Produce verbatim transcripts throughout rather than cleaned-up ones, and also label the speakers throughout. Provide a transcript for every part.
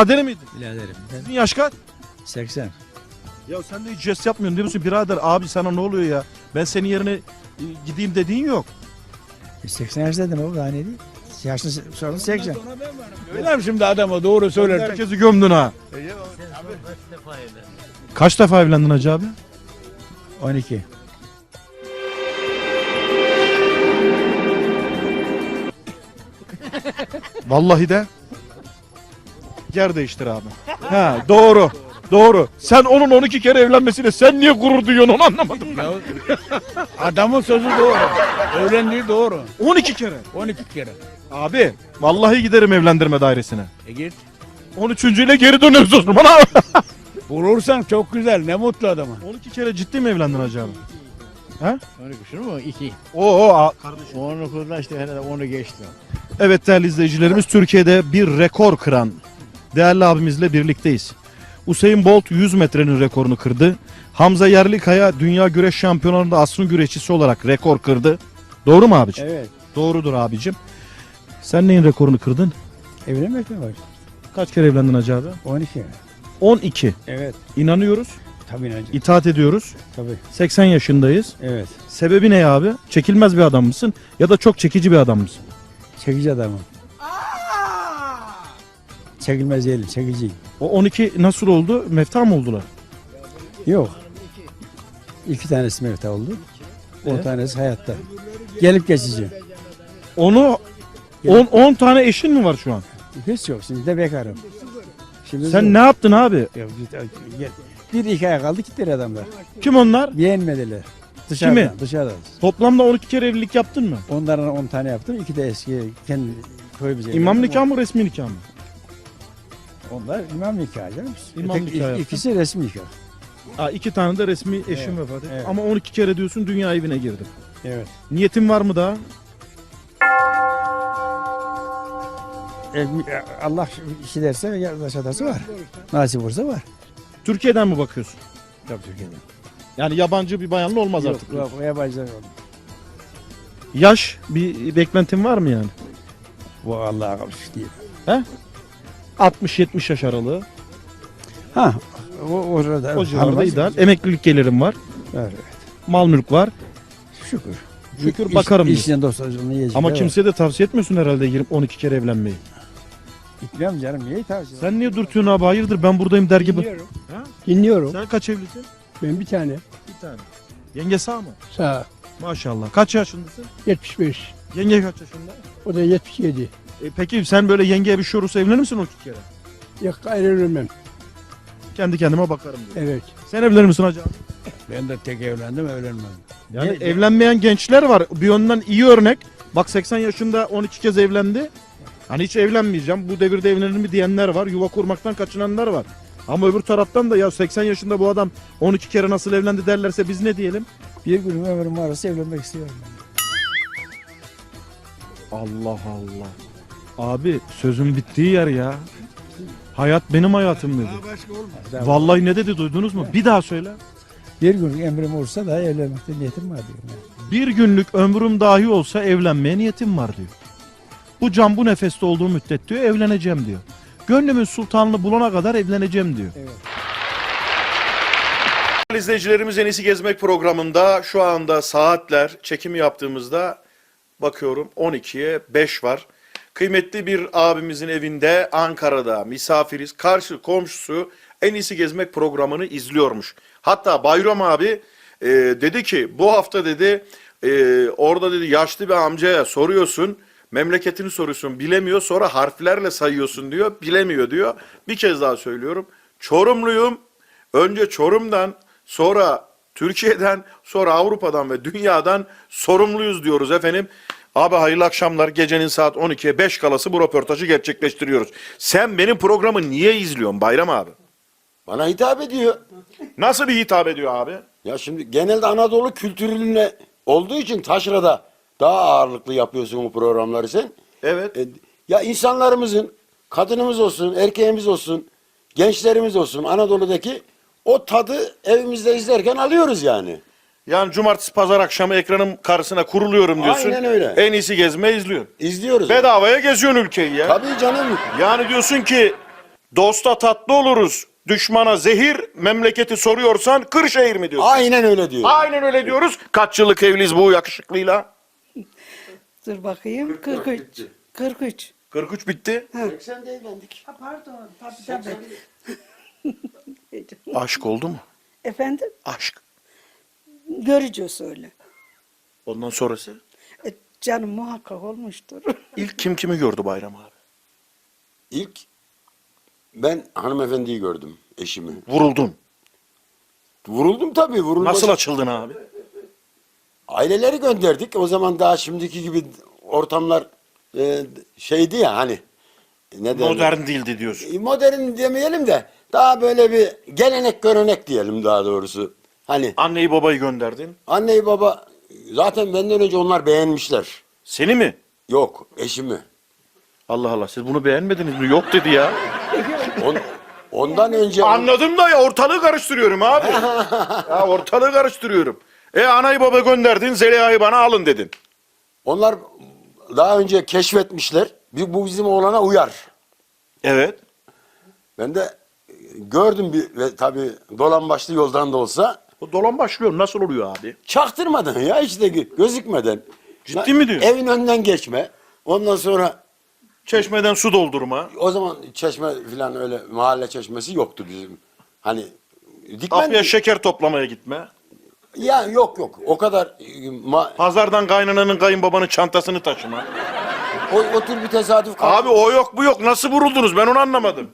Speaker 1: Birader miydin?
Speaker 2: Biraderim.
Speaker 1: Sizin yaş kaç?
Speaker 2: seksen.
Speaker 1: Ya sen de hiç jest yapmıyorsun değil misin? Birader abi sana ne oluyor ya? Ben senin yerine e, gideyim dediğin yok.
Speaker 2: E, seksen yaşındaydım o daha ne değil? Yaşlı sonra seksen.
Speaker 3: Öyle mi şimdi adama doğru söyler?
Speaker 1: Herkesi gömdün ha. Kaç defa evlendin hacı abi?
Speaker 2: on iki.
Speaker 1: Vallahi de. Yer değiştir abi. Ha doğru. Doğru. Sen onun on iki kere evlenmesiyle sen niye gurur duyuyorsun onu anlamadım ben.
Speaker 3: Ya, adamın sözü doğru. Evlendiği doğru.
Speaker 1: on iki kere.
Speaker 3: on iki kere.
Speaker 1: Abi vallahi giderim evlendirme dairesine.
Speaker 3: E git.
Speaker 1: on üçüncüyle geri döneriz o zaman abi.
Speaker 3: Bulursan çok güzel. Ne mutlu adama.
Speaker 1: on iki kere ciddi mi evlendin hacı abi? He?
Speaker 3: on iki şunu mu? iki.
Speaker 1: Oo, o kardeşim.
Speaker 3: on dokuzda işte herhalde onu geçti.
Speaker 1: Evet değerli izleyicilerimiz, Türkiye'de bir rekor kıran değerli abimizle birlikteyiz. Usain Bolt yüz metrenin rekorunu kırdı. Hamza Yerlikaya dünya güreş şampiyonlarında asrın güreşçisi olarak rekor kırdı. Doğru mu abicim?
Speaker 2: Evet.
Speaker 1: Doğrudur abicim. Sen neyin rekorunu kırdın?
Speaker 2: Evlenmek mi var?
Speaker 1: Kaç kere evlendin hacı abi?
Speaker 2: on iki.
Speaker 1: on iki.
Speaker 2: Evet.
Speaker 1: İnanıyoruz,
Speaker 2: Tabii inanacağım.
Speaker 1: itaat ediyoruz.
Speaker 2: Tabii.
Speaker 1: seksen yaşındayız.
Speaker 2: Evet.
Speaker 1: Sebebi ne abi? Çekilmez bir adam mısın ya da çok çekici bir adam mısın?
Speaker 2: Çekici adamım. Çekilmez değilim. Çekiciyim.
Speaker 1: O on iki nasıl oldu? Mefta mı oldular?
Speaker 2: Yok. İki tanesi mevta oldu. On
Speaker 1: Evet.
Speaker 2: tanesi hayatta. Gelip geçici.
Speaker 1: Onu on on tane eşin mi var şu an?
Speaker 2: Hiç yok. Şimdi de bekarım. Şimdi
Speaker 1: Sen ne yaptın abi?
Speaker 2: Yok, gel. Bir iki ay kaldı gittiler adamlar.
Speaker 1: Kim onlar?
Speaker 2: Beğenmediler. Dışarıdan,
Speaker 1: Kimi?
Speaker 2: dışarıdan.
Speaker 1: Toplamda on iki kere evlilik yaptın mı?
Speaker 2: Onların on tane yaptım. İki de eski kendi köyümüze.
Speaker 1: İmam
Speaker 2: evlendim.
Speaker 1: nikahı mı resmi nikah mı?
Speaker 2: Onlar imam nikahı canım.
Speaker 1: İmam
Speaker 2: Öteki-
Speaker 1: nikahı yaptın.
Speaker 2: İkisi resmi nikah.
Speaker 1: Aa, iki tane de resmi eşim
Speaker 2: Evet,
Speaker 1: vefat etti.
Speaker 2: evet.
Speaker 1: Ama on iki kere diyorsun dünya evine girdim.
Speaker 2: Evet.
Speaker 1: Niyetin var mı daha?
Speaker 2: E, Allah işi derse ve yaş atarsa var. Nasip olursa var.
Speaker 1: Türkiye'den mi bakıyorsun?
Speaker 2: Tabii Türkiye'de.
Speaker 1: Yani yabancı bir bayanla olmaz
Speaker 2: Yok,
Speaker 1: artık.
Speaker 2: yok, yabancılar oldu.
Speaker 1: Yaş bir beklentin var mı yani?
Speaker 2: Bu Allah'a kalmış değil.
Speaker 1: altmış yetmiş yaş aralığı.
Speaker 2: Ha, o orada.
Speaker 1: O civarda
Speaker 2: hanım-
Speaker 1: ideal. Emeklilik gelirim var.
Speaker 2: Evet,
Speaker 1: Mal mülk var.
Speaker 2: şükür.
Speaker 1: Şükür
Speaker 2: İş-
Speaker 1: bakarım diyor.
Speaker 2: İşten dostlarını yiyecek.
Speaker 1: Ama kimseye de tavsiye etmiyorsun herhalde girip on iki kere evlenmeyi.
Speaker 2: Gitmem canım, niye tavsiye?
Speaker 1: Sen niye dürtüyorsun abi? Hayırdır ben buradayım der gibi.
Speaker 4: Dinliyorum.
Speaker 1: Ha?
Speaker 4: Dinliyorum.
Speaker 1: Sen kaç evlisin?
Speaker 4: Ben bir tane.
Speaker 1: Bir tane. Yenge sağ mı?
Speaker 4: Sağ.
Speaker 1: Maşallah. Kaç yaşındasın?
Speaker 4: yetmiş beş.
Speaker 1: Yenge kaç yaşında?
Speaker 4: O da yetmiş yedi.
Speaker 1: E, peki sen böyle yengeye bir şey olursa evlenir misin on iki kere?
Speaker 4: Yok ayrılmam.
Speaker 1: Kendi kendime bakarım diyor.
Speaker 4: Evet.
Speaker 1: Sen evlenir misin hacı abi?
Speaker 3: Ben de tek evlendim evlenmem.
Speaker 1: Yani
Speaker 2: Ne-
Speaker 1: evlenmeyen gençler var. Bir yönden iyi örnek. Bak seksen yaşında on iki kez evlendi. Hani hiç evlenmeyeceğim. Bu devirde evlenir mi diyenler var. Yuva kurmaktan kaçınanlar var. Ama öbür taraftan da ya seksen yaşında bu adam on iki kere nasıl evlendi derlerse biz ne diyelim?
Speaker 2: Bir gün ömrüm varsa evlenmek istiyorum.
Speaker 1: Allah Allah. Abi sözün bittiği yer ya. Hayat benim hayatım dedi.
Speaker 2: Ben-
Speaker 1: Vallahi ne dedi duydunuz mu? Bir daha söyle.
Speaker 2: Bir gün emrim olursa da evlenmekte niyetim var diyorum. Yani.
Speaker 1: Bir günlük ömrüm dahi olsa evlenmeye niyetim var diyor. Bu can bu nefeste olduğu müddet diyor evleneceğim diyor. Gönlümün sultanını bulana kadar evleneceğim diyor.
Speaker 2: Evet.
Speaker 1: İzleyicilerimiz En İyisi Gezmek programında şu anda saatler çekimi yaptığımızda bakıyorum on ikiye beş var. Kıymetli bir abimizin evinde Ankara'da misafiriz. Karşı komşusu En İyisi Gezmek programını izliyormuş. Hatta Bayram abi e, dedi ki bu hafta dedi e, orada dedi yaşlı bir amcaya soruyorsun. Memleketini soruyorsun bilemiyor sonra harflerle sayıyorsun diyor bilemiyor diyor. Bir kez daha söylüyorum. Çorumluyum. Önce Çorum'dan sonra Türkiye'den sonra Avrupa'dan ve dünyadan sorumluyuz diyoruz efendim. Abi hayırlı akşamlar. Gecenin saat on ikiye beş kalası bu röportajı gerçekleştiriyoruz. Sen benim programı niye izliyorsun Bayram abi?
Speaker 5: Bana hitap ediyor.
Speaker 1: Nasıl bir hitap ediyor abi?
Speaker 5: Ya şimdi genelde Anadolu kültürüne olduğu için taşrada daha ağırlıklı yapıyorsun bu programları sen.
Speaker 1: Evet.
Speaker 5: E, ya insanlarımızın, kadınımız olsun, erkeğimiz olsun, gençlerimiz olsun Anadolu'daki o tadı evimizde izlerken alıyoruz yani.
Speaker 1: Yani cumartesi pazar akşamı ekranın karşısına kuruluyorum diyorsun.
Speaker 5: Aynen öyle.
Speaker 1: En iyisi gezme izliyorsun.
Speaker 5: İzliyoruz.
Speaker 1: Bedavaya geziyorsun ülkeyi ya.
Speaker 5: Tabii canım.
Speaker 1: Yani diyorsun ki Dosta tatlı oluruz, düşmana zehir, memleketi soruyorsan Kırşehir mi diyorsun?
Speaker 5: Aynen öyle diyor.
Speaker 1: Aynen öyle diyoruz. Kaç yıllık evliyiz bu yakışıklıyla?
Speaker 6: Dur bakayım. kırk üç. kırk üç.
Speaker 1: kırk üç bitti.
Speaker 5: seksen de evlendik.
Speaker 6: Ha, pardon. Tabii tabii.
Speaker 1: Aşk oldu mu?
Speaker 6: Efendim?
Speaker 1: Aşk.
Speaker 6: Görücü söyle.
Speaker 1: Ondan sonrası?
Speaker 6: E, canım muhakkak olmuştur.
Speaker 1: İlk kim kimi gördü Bayram abi?
Speaker 5: İlk ben hanımefendiyi gördüm, eşimi.
Speaker 1: Vuruldun.
Speaker 5: Vuruldum tabii. Vurulmaz.
Speaker 1: Nasıl açıldın abi?
Speaker 5: Aileleri gönderdik. O zaman daha şimdiki gibi ortamlar e, şeydi ya hani. Ne derler?
Speaker 1: Modern değildi diyorsun.
Speaker 5: E, Modern demeyelim de daha böyle bir gelenek görenek diyelim daha doğrusu. Hani
Speaker 1: Anneyi babayı gönderdin.
Speaker 5: anneyi baba zaten benden önce onlar beğenmişler.
Speaker 1: Seni mi?
Speaker 5: Yok, eşimi.
Speaker 1: Allah Allah, siz bunu beğenmediniz mi? Yok dedi ya.
Speaker 5: On, ondan önce
Speaker 1: Anladım da ya, ortalığı karıştırıyorum abi. Ya ortalığı karıştırıyorum. E anayı baba gönderdin, Zeliha'yı bana alın dedin.
Speaker 5: onlar daha önce keşfetmişler. Bir- Bu bizim oğlana uyar.
Speaker 1: Evet.
Speaker 5: Ben de e, gördüm bir ve tabii dolan başlı yoldan da olsa
Speaker 1: O dolan başlıyor. Nasıl oluyor abi?
Speaker 5: çaktırmadan ya işte gö- gözükmeden.
Speaker 1: Ciddi mi diyorsun?
Speaker 5: Evin önünden geçme. Ondan sonra
Speaker 1: Çeşmeden su doldurma.
Speaker 5: o zaman çeşme falan öyle mahalle çeşmesi yoktu bizim. Hani dikmen
Speaker 1: Kapıya şeker toplamaya gitme.
Speaker 5: ya yok yok o kadar e, ma-
Speaker 1: Pazardan kaynananın kayınbabanın çantasını taşıma.
Speaker 5: o, o tür bir tesadüf kalktı.
Speaker 1: Abi o yok bu yok. Nasıl vuruldunuz? Ben onu anlamadım.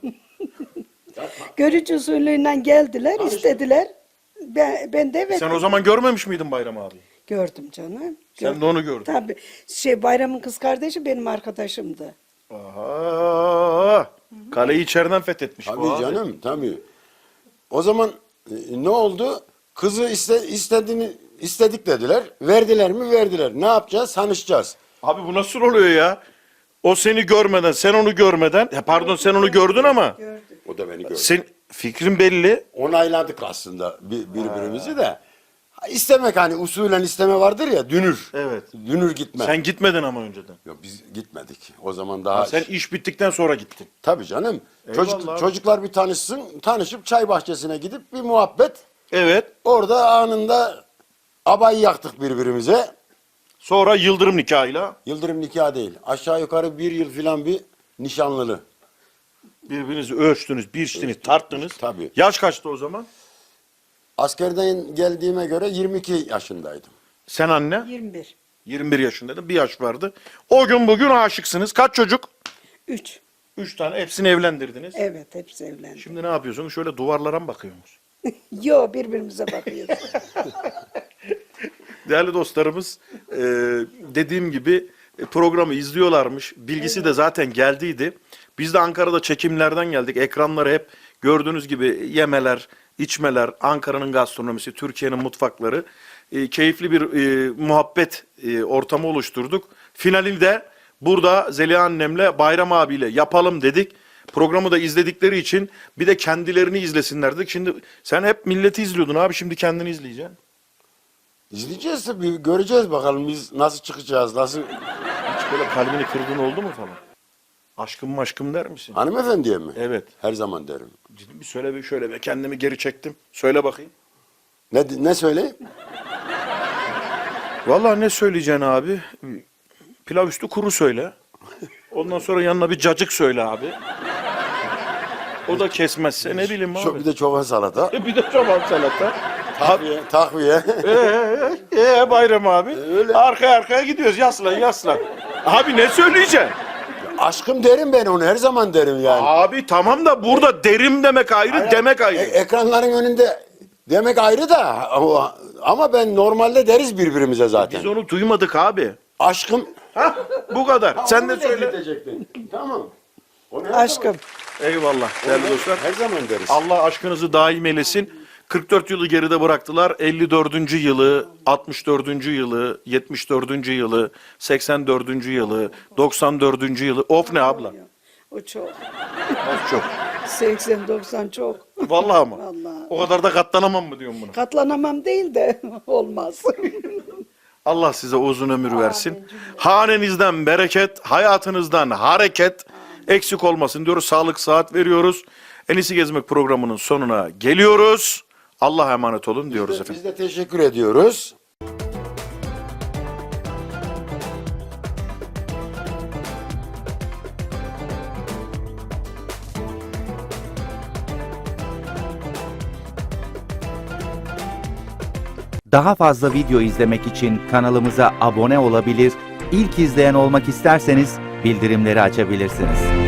Speaker 6: Görücü usulüyle geldiler, istediler. Ben, ben de evet
Speaker 1: Sen o zaman görmemiş miydin Bayram abi?
Speaker 6: gördüm canım.
Speaker 1: Sen de onu gördün.
Speaker 6: Tabii. Şey Bayram'ın kız kardeşi benim arkadaşımdı.
Speaker 1: Aha. Kaleyi içeriden fethetmiş bu
Speaker 5: Tabii
Speaker 1: abi.
Speaker 5: canım tabii. O zaman e, ne oldu? Kızı iste, istediğini istedik dediler. Verdiler mi? Verdiler. Ne yapacağız? Tanışacağız.
Speaker 1: Abi bu nasıl oluyor ya? O seni görmeden, sen onu görmeden, ya pardon sen onu gördün ama
Speaker 6: Gördüm.
Speaker 5: O da beni gördü.
Speaker 1: sen fikrin belli.
Speaker 5: Onayladık aslında bir- birbirimizi de. Ha, İstemek hani usulen isteme vardır ya dünür.
Speaker 1: Evet.
Speaker 5: Dünür gitme.
Speaker 1: Sen gitmedin ama önceden.
Speaker 5: Yok biz gitmedik. O zaman daha
Speaker 1: Ha, sen iş bittikten sonra gittin.
Speaker 5: tabii canım.
Speaker 1: Eyvallah
Speaker 5: Çocuk,
Speaker 1: abi.
Speaker 5: çocuklar bir tanışsın. Tanışıp çay bahçesine gidip bir muhabbet.
Speaker 1: Evet.
Speaker 5: Orada anında abayı yaktık birbirimize.
Speaker 1: Sonra yıldırım nikahıyla
Speaker 5: Yıldırım nikah değil. Aşağı yukarı bir yıl filan bir nişanlılı.
Speaker 1: birbirinizi ölçtünüz, biçtiniz, tarttınız.
Speaker 5: Tabii.
Speaker 1: Yaş kaçtı o zaman?
Speaker 5: Askerden geldiğime göre yirmi iki yaşındaydım.
Speaker 1: Sen anne?
Speaker 6: yirmi bir.
Speaker 1: yirmi bir yaşındaydın. Bir yaş vardı. O gün bugün aşıksınız. Kaç çocuk?
Speaker 6: üç.
Speaker 1: Üç tane. Hepsini evlendirdiniz.
Speaker 6: Evet hepsi evlendi.
Speaker 1: Şimdi ne yapıyorsunuz? Şöyle duvarlara mı bakıyorsunuz?
Speaker 6: Yo birbirimize bakıyoruz.
Speaker 1: Değerli dostlarımız e, dediğim gibi e, programı izliyorlarmış. Bilgisi de zaten geldiydi. Biz de Ankara'da çekimlerden geldik. Ekranları hep gördüğünüz gibi yemeler, içmeler, Ankara'nın gastronomisi, Türkiye'nin mutfakları. E, keyifli bir e, muhabbet e, ortamı oluşturduk. Finalini de burada Zeliha annemle Bayram abiyle yapalım dedik. Programı da izledikleri için bir de kendilerini izlesinler dedik. Şimdi sen hep milleti izliyordun abi, şimdi kendini izleyeceksin.
Speaker 5: İzleyeceğiz tabii. Göreceğiz bakalım biz nasıl çıkacağız. Nasıl...
Speaker 1: Hiç böyle kalbini kırdığın oldu mu falan? Aşkım maşkım der misin?
Speaker 5: Hanımefendiye mi?
Speaker 1: Evet.
Speaker 5: Her zaman derim.
Speaker 1: Ciddi bir söyle bir şöyle be, kendimi geri çektim. Söyle bakayım.
Speaker 5: Ne, ne söyleyeyim?
Speaker 1: Vallahi ne söyleyeceksin abi? Pilav üstü kuru söyle. Ondan sonra yanına bir cacık söyle abi. O da kesmezse ne bileyim abi.
Speaker 5: Çok, bir de çoban salata.
Speaker 1: E bir de çoban salata.
Speaker 5: Takviye. Takviye.
Speaker 1: Eee ee, Bayram abi.
Speaker 5: Öyle.
Speaker 1: Arkaya arkaya gidiyoruz. Yaslan yaslan. Abi ne söyleyeceksin?
Speaker 5: Aşkım derim ben onu. Her zaman derim yani.
Speaker 1: Abi tamam da burada derim demek ayrı, demek ayrı.
Speaker 5: E- ekranların önünde demek ayrı da ama, ama ben normalde deriz birbirimize zaten.
Speaker 1: Biz onu duymadık abi.
Speaker 5: Aşkım.
Speaker 1: Hah, bu kadar. Sen de
Speaker 5: Onu
Speaker 1: söyle.
Speaker 5: diyecektin. Tamam. Onu her
Speaker 6: Aşkım.
Speaker 1: Eyvallah değerli
Speaker 5: zaman-
Speaker 1: dostlar.
Speaker 5: Her zaman deriz.
Speaker 1: Allah aşkınızı daim eylesin. kırk dört yılı geride bıraktılar. elli dördüncü yılı, altmış dördüncü yılı, yetmiş dördüncü yılı, seksen dördüncü yılı, doksan dördüncü yılı. Of ne abla?
Speaker 6: O çok.
Speaker 1: Of çok.
Speaker 6: seksen doksan çok.
Speaker 1: Vallahi ama.
Speaker 6: Vallahi.
Speaker 1: O kadar da katlanamam mı diyorum buna?
Speaker 6: Katlanamam değil de olmaz.
Speaker 1: Allah size uzun ömür versin. Hanenizden bereket, hayatınızdan hareket. eksik olmasın diyoruz. Sağlık saat veriyoruz. En iyisi gezmek programının sonuna geliyoruz. Allah'a emanet olun diyoruz
Speaker 5: Biz de,
Speaker 1: efendim.
Speaker 5: biz de teşekkür ediyoruz.
Speaker 7: Daha fazla video izlemek için kanalımıza abone olabilir, ilk izleyen olmak isterseniz bildirimleri açabilirsiniz.